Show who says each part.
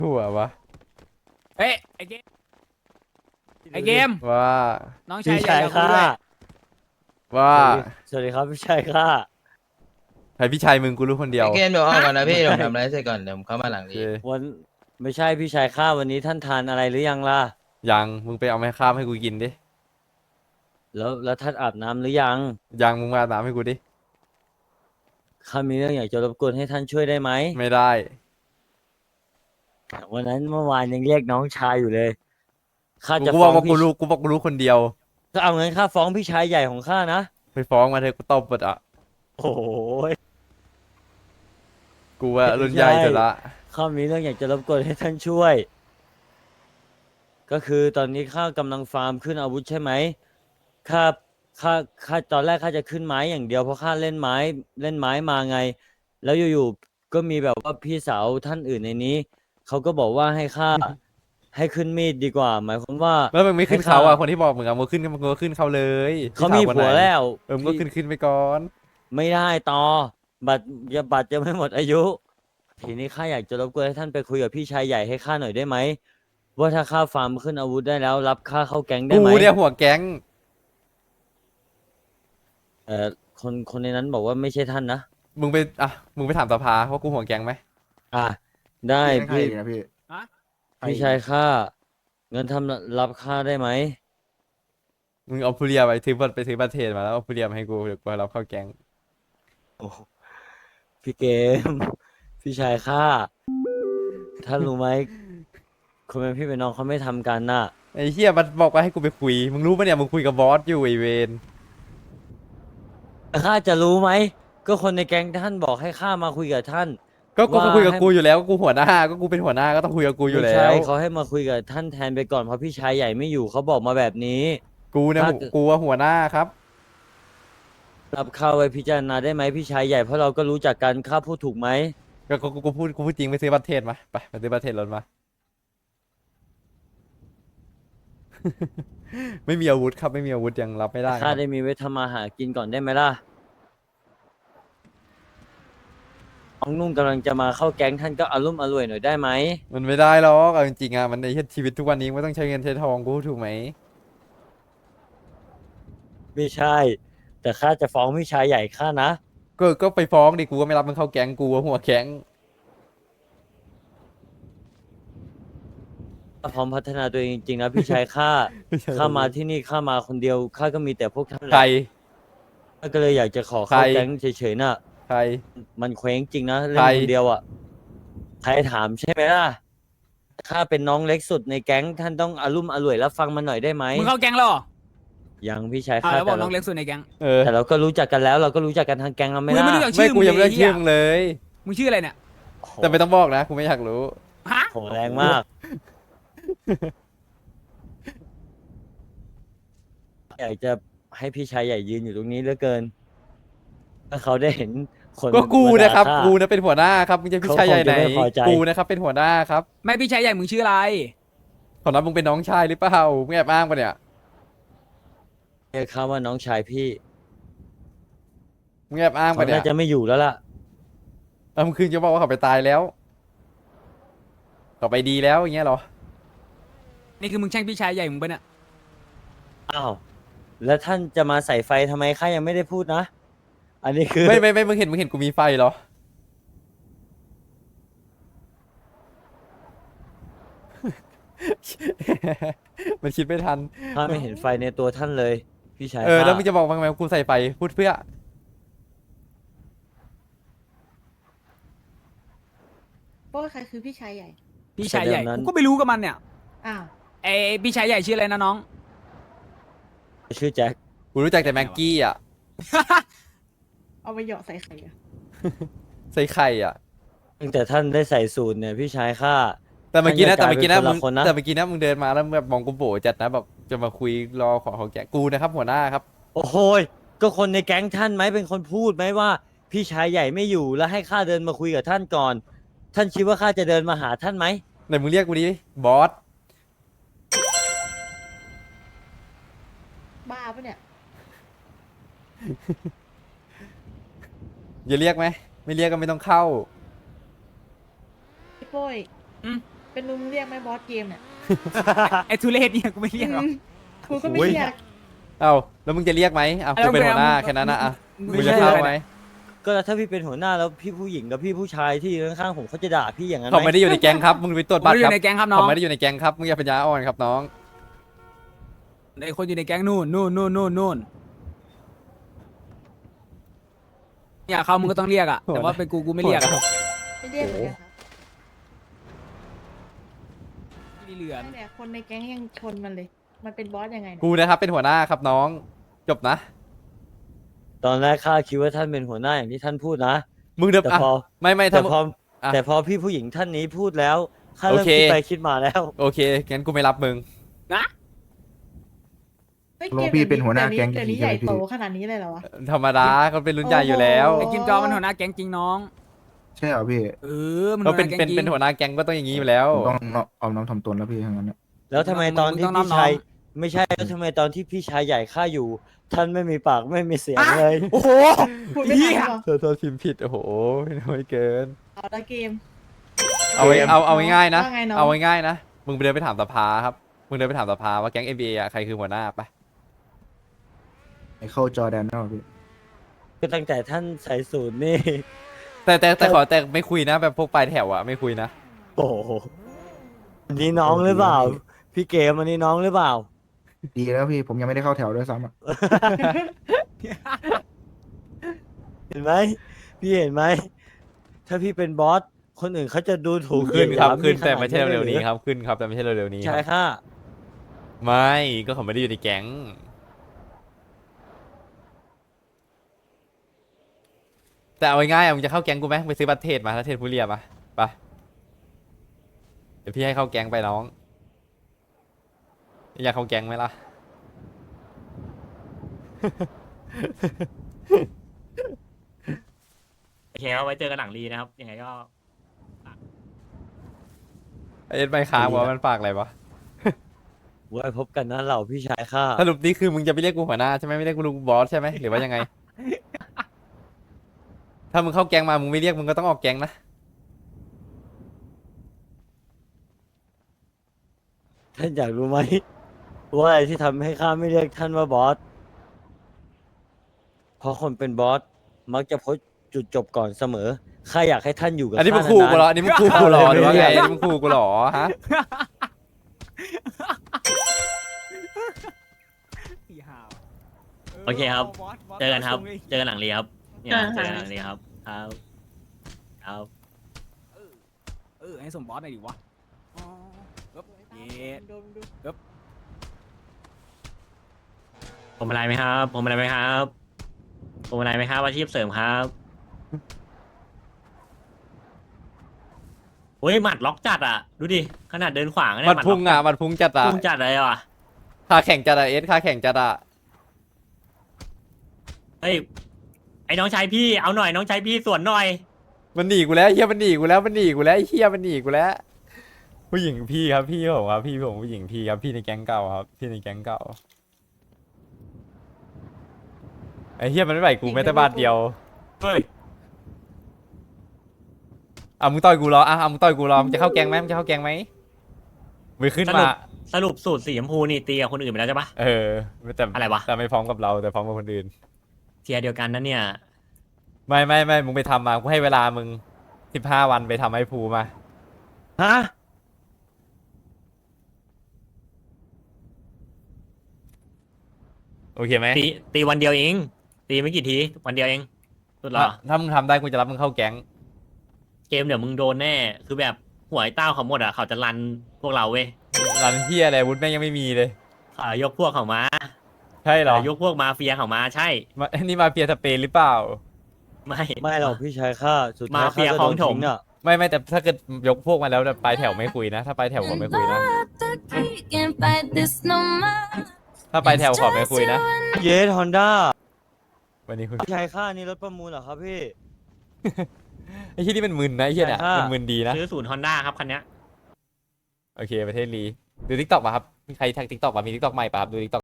Speaker 1: หัววะ
Speaker 2: เฮ้ยไอเกมไอเกม
Speaker 1: ว่า
Speaker 2: น้องชา
Speaker 3: พี่
Speaker 2: ยใหญ่
Speaker 3: ชาย
Speaker 2: กับกู
Speaker 3: ข้า
Speaker 2: ด้วย
Speaker 1: ว่า
Speaker 3: สวัสดีครับพี่ชายข้า
Speaker 1: ใครพี่ชายมึงกูรู้คนเดียว
Speaker 4: ไอเกมเดี๋ยวออกก่อนนะพี่
Speaker 3: ไม่
Speaker 4: เดี๋ยวผมทำอะไรเสร็จก่อนเดี๋ยวผมเข้ามาหลัง
Speaker 1: โอ
Speaker 4: นี้
Speaker 1: เค
Speaker 3: วันไม่ใช่พี่ชายข้าวันนี้ท่านทานอะไรหรือยังล่ะ
Speaker 1: ยังมึงไปเอาไม้ข้ามให้กูกินดิ
Speaker 3: แล้วท่านอาบน้ำหรือยัง
Speaker 1: ยังมึงมาอาบน้ำให้กูดิ
Speaker 3: ข้ามีเรื่องอยากจะรบกวนให้ท่านช่วยได้ไหม
Speaker 1: ไม่ได้
Speaker 3: วันนั้นเมื่อวานยังเรียกน้องชายอยู่เลยข้าจะ
Speaker 1: กู
Speaker 3: ฟ้
Speaker 1: บ
Speaker 3: อ
Speaker 1: อก
Speaker 3: ง
Speaker 1: ว่ากู
Speaker 3: พี่
Speaker 1: รู้กูบอกกูรู้คนเดียว
Speaker 3: ก็เอางั้นข้าฟ้องพี่ชายใหญ่ของข้านะ
Speaker 1: ไปฟ้องมาเถอะกูตบหมดอ่ะ
Speaker 3: โอ้ย
Speaker 1: กูว่ารุ่นใหญ่สุดละ
Speaker 3: ข้ามีเรื่องอยากจะรบกวนให้ท่านช่วย ก็คือตอนนี้ข้ากำลังฟาร์มขึ้นอาวุธใช่ไหมข้าข้าตอนแรกข้าจะขึ้นไม้อย่างเดียวเพราะข้าเล่นไม้มาไง แล้วอยู่ๆก็มีแบบว่าพี่สาวท่านอื่นในนี้เขาก็บอกว่าให้ข้า ให้ขึ้นมีดดีกว่า หมายความว่า
Speaker 1: แล้วมึงไม่ขึ้น
Speaker 3: ให้
Speaker 1: เขาอ่ะ
Speaker 3: ข้า
Speaker 1: คนที่บอกมึงอ่ะมึงขึ้นมึงก็ขึ้นเขาเลย
Speaker 3: เขามี
Speaker 1: พี่สคน
Speaker 3: ผัว
Speaker 1: ไหน
Speaker 3: แล้ว
Speaker 1: มึงก็ขึ้นไปก่อน
Speaker 3: ไม่ได้ต่อบัตรยังไม่หมดอายุ ทีนี้ข้าอยากจะรบกวนให้ท่านไปคุยกับพี่ชายใหญ่ให้ข้าหน่อยได้ไหมว่าถ้าข้าฟาร์มขึ้นอาวุธได้แล้ว รับข้าเข้าแก๊งได้
Speaker 1: กู
Speaker 3: ไหม
Speaker 1: เนี่ยหัวแก๊ง
Speaker 3: เอ่อคนในนั้นบอกว่าไม่ใช่ท่านนะ
Speaker 1: มึงไปอ่ะมึงไปถามสภาว่ากูหัวแก๊งไหม
Speaker 3: อ่ะได้
Speaker 5: ใคร
Speaker 3: พี่
Speaker 5: นะพี่
Speaker 3: พี่ชายข้าเงินทำรับข้าได้ไหม
Speaker 1: มึงเอาผู้เรียไปซื้อบัตรไปซื้อบัตรเทรดมาแล้วเอาผู้เรียมาให้กูเดี๋ยวกูรับเข้าแก๊ง
Speaker 3: โอ้พี่เกม พี่ชายข้าท่านรู้ไหมคนเป็นพี่เป็นน้องเขาไม่ทำกันน่ะ
Speaker 1: ไอ้เหี้ยมันบอกว่าให้กูไปคุยมึงรู้ปะเนี่ยมึงคุยกับบอสอยู่ไอเวน
Speaker 3: ข้าจะรู้ไหมก็คนในแก๊งท่านบอกให้ข้ามาคุยกับท่าน
Speaker 1: ก็กู
Speaker 3: ว่า
Speaker 1: คุยกับ
Speaker 3: ให้
Speaker 1: กูอยู่แล้วก็กูหัวหน้าก็กูเป็นหัวหน้าก็ต้องคุยกับกูอยู่
Speaker 3: ไม่
Speaker 1: แล้
Speaker 3: ใช่
Speaker 1: ว
Speaker 3: เขาให้มาคุยกับท่านแทนไปก่อนเพราะพี่ชายใหญ่ไม่อยู่เขาบอกมาแบบนี้
Speaker 1: กูเนี่ย
Speaker 3: ถ้า
Speaker 1: กูว่าหัวหน้าครับ
Speaker 3: รับข้าไว้พิจารณาได้ไหมพี่ชายใหญ่เพราะเราก็รู้จักกันข้าพูดถูกไหม
Speaker 1: ก็กูพูดจริงไปซื้อบัตรเทรดมาไปซื้อบัตรเทรดรถมา ไม่มีอาวุธครับไม่มีอาวุธยังรับไม่ได้ค
Speaker 3: ข้า
Speaker 1: รับ
Speaker 3: ได้มีไว้ทำมาหากินก่อนได้ไหมล่ะน้องนุ่งกำลังจะมาเข้าแก๊งท่านก็อารมณ์อร่วยหน่อยได้ไหม
Speaker 1: มันไม่ได้หรอกเอาจริงๆอ่ะมันในชีวิตทุกวันนี้ไม่ต้องใช้เงินใช้ทองกูพูดถูกไหม
Speaker 3: ไม่ใช่ แต่ข้าจะฟ้องพี่ชายใหญ่ข้านะ
Speaker 1: ก็ไปฟ้องดิกูก็ไม่รับมึงเข้าแก๊งกูว่าหัวแก๊ง
Speaker 3: พร้อมพัฒนาตัวเองจริงๆนะพี่ชายข้า ข้ามาที่นี่ข้ามาคนเดียวข้าก็มีแต่พวกท่านแห
Speaker 1: ใคร
Speaker 3: ละข้าก็เลยอยากจะขอเข้า
Speaker 1: ใคร
Speaker 3: แก๊งเฉยๆน่ะ
Speaker 1: ใคร
Speaker 3: มันเคว้งจริงนะเล่
Speaker 1: ใคร
Speaker 3: นคนเดียวอ่ะใครถามใช่ไหมล่ะข้าเป็นน้องเล็กสุดในแก๊งท่านต้องอารมณ์อร่วยรับฟังมันหน่อยได้ไหม
Speaker 2: มึงเข้าแก๊งแล้วเหรอ
Speaker 3: ยังพี่ชาย
Speaker 2: อ้าว
Speaker 3: ข้า
Speaker 2: แล้วบอก
Speaker 3: แต่
Speaker 2: น้
Speaker 3: เรา
Speaker 2: องเล็กสุดในแก๊ง
Speaker 1: เออ
Speaker 3: แต่เราก็รู้จักกันแล้ว เราก็รู้จักกันทางแก๊งเรา
Speaker 2: มึ
Speaker 3: ไม่
Speaker 2: งยังไม่
Speaker 3: ล่ะ
Speaker 2: รู้จัก
Speaker 1: ไม่
Speaker 2: ชื่อ
Speaker 1: กูยังไม่
Speaker 2: เล
Speaker 1: ได้
Speaker 2: ย
Speaker 1: ชื่อ
Speaker 2: เหี้ย
Speaker 1: มึงเลย
Speaker 2: มึงชื่ออะไรเนี่ย
Speaker 1: แต่ไม่ต้องบอกนะกูไม่อยากรู้
Speaker 2: ฮะ
Speaker 3: โหแรงมาก อยากจะให้พี่ชายใหญ่ยืนอยู่ตรงนี้เหลือเกิน ถ้าเขาได้เห็นคน
Speaker 1: ก็กู
Speaker 3: มาด่า
Speaker 1: นะครับ
Speaker 3: ข้า
Speaker 1: กูนะเป็นหัวหน้าครับมึงจะพี่ชายใหญ่ไหน
Speaker 3: เขาคงจะไม่พอใจ
Speaker 1: กูนะครับเป็นหัวหน้าครับ
Speaker 2: ไม่พี่ชายใหญ่มึงชื่ออะไร
Speaker 1: ขอรับมึงเป็นน้องชายหรือเปล่ามึงแอบอ้างปะเนี่ย
Speaker 3: เรียกเขาว่าน้องชายพี่
Speaker 1: มึงแอบอ้าง
Speaker 3: เขา
Speaker 1: ปะเนี่ย
Speaker 3: น่าจะไม่อยู่แล้วล่ะ
Speaker 1: เอามึงคืนจะบอกว่าเขาไปตายแล้วเขาไปดีแล้วอย่างเงี้ยเหรอ
Speaker 2: นี่คือมึงแช่งพี่ชายใหญ่มึงปะเนี่ย
Speaker 3: อ้าว แล้วท่านจะมาใส่ไฟทำไมข้ายังไม่ได้พูดนะ อันนี้คือ
Speaker 1: ไม่มึงเห็นกูมีไฟเหรอ มันคิดไม่ทัน
Speaker 3: ข้าไม่เห็นไฟในตัวท่านเลย พี่ชาย
Speaker 1: แล้ว
Speaker 3: ข้า
Speaker 1: มึงจะบอกว่าทำไมกูใส่ไฟพูดเพื่อ
Speaker 6: ว่าใครคือพี่ชายใหญ่
Speaker 2: พี่ชายใหญ่กูก็ไม่รู้กับมันเนี่ย
Speaker 6: อ้าว
Speaker 2: ไอพี่ชายใหญ่ชื่ออะไรนะน้อง
Speaker 3: ชื่อแจ็ค
Speaker 1: กูรู้จักแต่แม็กกี้อ่ะ
Speaker 6: เอาไปเหยาะใส่ไข่อะ
Speaker 1: ใส่ไข่อ่ะ
Speaker 3: ตั้งแต่ท่านได้ใส่สูตรเนี่ยพี่ชายข้า
Speaker 1: แต่เมื่อกี้นะ
Speaker 3: ท่านจะกลายเป็นคนละคนนะ
Speaker 1: แต่เมื่อกี้นะมึงเดินมาแล้วแบบมองกูโบจัดนะแบบจะมาคุยรอขอของแกกูนะครับหัวหน้าครับ
Speaker 3: โอ้โหยก็คนในแก๊งท่านไหมเป็นคนพูดไหมว่า พี่ชายใหญ่ไม่อยู่แล้วให้ข้าเดินมาคุยกับท่านก่อน ท่านคิดว่าข้าจะเดินมาหาท่านไหม
Speaker 1: ไหนมึงเรียกกูดิบอส
Speaker 6: บ้าปะเนี่ย
Speaker 1: อย่าเรียกไหมไม่เรียกก็ไม่ต้องเข้า
Speaker 6: พี่โป้ย
Speaker 2: อืม
Speaker 6: เป็นลุงเรียกไหมบอสเกมเนี่ย
Speaker 2: ไอ้ทุเรศเนี่ยกูไม่เรียกหรอก
Speaker 6: กูก็ไม่เรียก
Speaker 1: เอ้าแล้วมึงจะเรียกไหมอ่ะกูเป็นหัวหน้าแค่นั้นนะอ่ะ
Speaker 2: มึง
Speaker 1: มึง
Speaker 2: ไม่
Speaker 1: จะ
Speaker 2: ใช่
Speaker 1: เข้า
Speaker 2: อะไร
Speaker 1: ไหม
Speaker 2: เนี่ย
Speaker 3: ก็ถ้าพี่เป็นหัวหน้าแล้วพี่ผู้หญิงกับพี่ผู้ชายที่อยู่ข้างๆผมเขาจะด่าพี่อย่างนั้น
Speaker 1: เขา
Speaker 3: ไหม
Speaker 1: ไม่ได้อยู่ในแก๊งครับมึงไปตรวจ
Speaker 2: ผม
Speaker 1: บัต
Speaker 2: ไม่
Speaker 1: ร
Speaker 2: ได้อ
Speaker 1: ครับ
Speaker 2: ยู่ในแก๊งครับน้
Speaker 1: ผ
Speaker 2: อง
Speaker 1: มไม่ได้อยู่ในแก๊งครับมึงอย่าปัญญาอ่อนครับน้อง
Speaker 2: ไอ้คนอยู่ในแก๊งนู่นอยากเข้ามึงก็ต้องเรียกอะแต่ว่าเป็นกูไม่เรียกอะ
Speaker 6: ไม่เรียกเหมือนกันครับ
Speaker 2: ไม่เหลือน
Speaker 6: นั่นแหละคนในแก๊งยังชนมันเลย มันเป็นบอสยังไงเนี่ย
Speaker 1: กูนะครับเป็นหัวหน้าครับน้องจบนะ
Speaker 3: ตอนแรกข้าคิดว่าท่านเป็นหัวหน้าอย่างที่ท่านพูดนะ
Speaker 1: มึงเดี๋ยว
Speaker 3: แต่
Speaker 1: อ่ะ
Speaker 3: พอ
Speaker 1: ไม่
Speaker 3: แต่
Speaker 1: ถ้ามึง
Speaker 3: พอ
Speaker 1: อ่ะ
Speaker 3: แต่พอพี่ผู้หญิงท่านนี้พูดแล้วข้า
Speaker 1: โอ
Speaker 3: เริ่ม
Speaker 1: เค
Speaker 3: คิดไปคิดมาแล้ว
Speaker 1: โอเคงั้นกูไม่รับมึง
Speaker 6: ฮ้ย
Speaker 5: ลงพี่เป็นหัวหน้าแก๊ง
Speaker 6: เดี๋ยวนี้
Speaker 5: จริงๆ
Speaker 6: ใหญ่
Speaker 5: ใช่ไหมพี่
Speaker 6: โตขนาดนี้เลยเหรอวะ
Speaker 1: ธรรมดาเขาเป็นรุ่นใหญ่อยู่แล้ว
Speaker 6: โอ้
Speaker 2: ไอ้กิมจอมันหัวหน้าแก๊งจริงน้อง
Speaker 5: ใช่เหรอพี่
Speaker 2: มัน
Speaker 1: เขาเป็น
Speaker 2: หัวหาแก๊งจริง
Speaker 1: เป็นหัวหน้าแก๊งก็ต้องอย่างนี้อยู่แล้ว
Speaker 5: ผมต้องเอาน้ำทำตนแล้วพี่ทั้งนั้นนะ
Speaker 3: แล้วทำไมตอนที่
Speaker 2: มึงต้อง
Speaker 3: พี่ชาย
Speaker 2: น้อง
Speaker 3: ไม่ใช่แล้วทำไมตอนที่พี่ชายใหญ่ข้าอยู่ ท่านไม่มีปากไม่มีเสียงเลย
Speaker 2: โอ้โห
Speaker 6: พูดไม่ทันหรอ
Speaker 1: โทษพิมพ์ผิดโอ้โหน้อยเกิน
Speaker 6: เอาละเกม
Speaker 1: เอาง่ายๆนะ
Speaker 6: ว่าไงน้อง
Speaker 1: เอาง่ายๆนะมึงไปเดินไปถามสภาครับมึงเดินไปถามสภาว่าแก๊ง NBA อ่ะใครคือหัวหน้าไป
Speaker 5: ไมเคิลจอร์แดนนะพี่
Speaker 3: ก็ตั้งแต่ท่านใส่สูตรนี่
Speaker 1: แต่ขอแต่ไม่คุยนะแบบพวกปลายแถวอ่ะไม่คุยนะ
Speaker 3: โอ้โหอันนี้น้องหรือเปล่า พี่เกมอันนี้น้องหรือเปล่า
Speaker 5: ดีแล้วพี่ผมยังไม่ได้เข้าแถวด้วยซ้ำอ่ะ
Speaker 3: เห็นไหมพี่เห็นไหมถ้าพี่เป็นบอสคนอื่นเขาจะดูถูก
Speaker 1: ขึ้นครับ
Speaker 3: เหยียดหยาม
Speaker 1: ขึ้น
Speaker 3: พี่
Speaker 1: แต่ไม่ใช่
Speaker 3: ขนาด
Speaker 1: เร็วๆนี้
Speaker 3: ลยหอ
Speaker 1: ครับขึ้นครับแต่ไม่ใช่เร็วๆนี้
Speaker 3: ใช่
Speaker 1: ครับ
Speaker 3: ค่ะ
Speaker 1: ไม่ก็เขาไม่ได้อยู่ในแก๊งแต่เอาง่ายๆอ่ะมึงจะเข้าแก๊งกูไหมไปซื้อบัตรเทรดมาถ้าเทรดผู้เรียบมาไปเดี๋ยวพี่ให้เข้าแก๊งไปน้องอยากเข้าแก๊งไหมล่ะ
Speaker 7: โอเคครับไว้เจอกันหลังรีนะครับ ยังไงก็
Speaker 1: ไอ้เอ็ดไม่ค้างวะมันฝากอะไรวะ
Speaker 3: ไว้พบกันนะเหล่าพี่ชายข้า
Speaker 1: สรุปนี่คือมึงจะไม่เรียกกูหัวหน้าใช่ไหมไม่เรียกกูลุงบอสใช่ไหมหรือว่ายังไง ถ้ามึงเข้าแก๊งมามึงไม่เรียกมึงก็ต้องออกแก๊งนะ
Speaker 3: ท่านอยากรู้ไหมว่าอะไรที่ทำให้ข้าไม่เรียกท่านว่าบอสเพราะคนเป็นบอสมักจะพบจุดจบก่อนเสมอข้าอยากให้ท่านอยู่กับ
Speaker 1: อันนี้มึง
Speaker 3: ข้า
Speaker 1: ขู่กูเหรอ
Speaker 3: นา
Speaker 1: อันนี้มึงขู่กูเหรอหรือว่าไงอันนี้มึงขู่กูเหรอฮะ
Speaker 7: โอเคครับ เจอกันครับ เจอกันหลังรีครับ เนี่ยเจอกันหลังรีครับ ครับ ครับ
Speaker 2: ให้สมบอสหน่อยดิวะอ๋อเย็ด
Speaker 6: ดูดู
Speaker 7: ผมอะไรไหมครับ ผมอะไรไหมครับ ผมอะไรไหมครับอาชีพเสริมครับโอ้ยหมัดล็อกจัดอ่ะ ดูดิ ขนาดเดินขวางเนี่ย
Speaker 1: มันพุ่งอ่ะมันพุ่งจัดอ่ะ
Speaker 7: พุ่งจัดเลยว่ะ
Speaker 1: ขาแข่งจัดอ่ะเอสขาแข่งจัดอ่ะ
Speaker 7: เฮ้ย ไอ้น้องชายพี่ เอาหน่อยน้องชายพี่สวนหน่อย
Speaker 1: มันหนีกูแล้วเฮียมันหนีกูแล้วมันหนีกูแล้วไอ้เฮียมันหนีกูแล้ว ผู้หญิงพี่ครับพี่ผมครับพี่ผมผู้หญิงพี่ครับพี่ในแก๊งเก่าครับพี่ในแก๊งเก่าไอ้เฮียมันไม่ไหวกูแม้แต่บาทเดียว
Speaker 7: เฮ้ย
Speaker 1: อ่ะมึงต่อยกูรออ่ะมึงต่อยกูรอมึงจะเข้าแก๊งไหมมึงจะเข้าแก๊งไหมมึงขึ้นมา
Speaker 7: สรุปสูตรสีชมพูนี่ตีกับคนอื่นไปแล้วใช่ปะ
Speaker 1: เออแต่
Speaker 7: อะไรวะ
Speaker 1: แต่ไม่พร้อมกับเราแต่พร้อมกับคนอื่น
Speaker 7: เทียร์เดียวกันนะเนี่ย
Speaker 1: ไม่มึงไปทำมากูให้เวลามึง15 วันไปทำให้ภูมา
Speaker 3: ฮะ
Speaker 1: โอเคไหม
Speaker 7: ตีวันเดียวเอง ตีไม่กี่ที วันเดียวเองสุดเหรอ
Speaker 1: ถ้ามึงทำได้กูจะรับมึงเข้าแก๊ง
Speaker 7: เกมเดี๋ยวมึงโดนแน่ คือแบบหวยเต้าเขาหมดอ่ะ เขาจะรันพวกเราเว้ย
Speaker 1: รันเฮียอะไรวุฒิแม่งยังไม่มีเลย
Speaker 7: เขายกพวกเขามา
Speaker 1: ใช่เหรอ
Speaker 7: ยกพวกมาเฟียเขามาใช่
Speaker 1: นี่มาเฟียสเปนหรือเปล่า
Speaker 7: ไม่
Speaker 3: ไม่หรอกพี่ชายข้าสุดท้าย
Speaker 7: มาเฟีย
Speaker 3: ข้าก็
Speaker 7: คลอง
Speaker 3: โดน
Speaker 7: ถม
Speaker 3: ทิ้งอ่ะ
Speaker 1: ไม่แต่ถ้าเกิดยกพวกมาแล้วปลายแถวไม่คุยนะ ถ้าปลายแถวผมไม่คุยนะ
Speaker 8: Can't fight this no more.
Speaker 1: ถ้าปลายแถวขอไม่คุยนะ
Speaker 3: เยสฮอนด้า
Speaker 1: วันนี้คุย
Speaker 3: พี่ชายข้านี่รถประมูลเหรอครับพี่
Speaker 1: ไอ้ที่นี่มันมึนนะไอ้เหี้ยเนี่ย
Speaker 3: ใช่ค่ะ
Speaker 1: มันมึนดีนะ
Speaker 7: ซื้อศูนย์ฮอนด้าครับคันเนี้ย
Speaker 1: โอเคประเทศลีดูทิกตอกป่ะครับมีใครแท็กทิกตอกป่ะมีทิกตอกใหม่ป่ะครับดูทิกตอก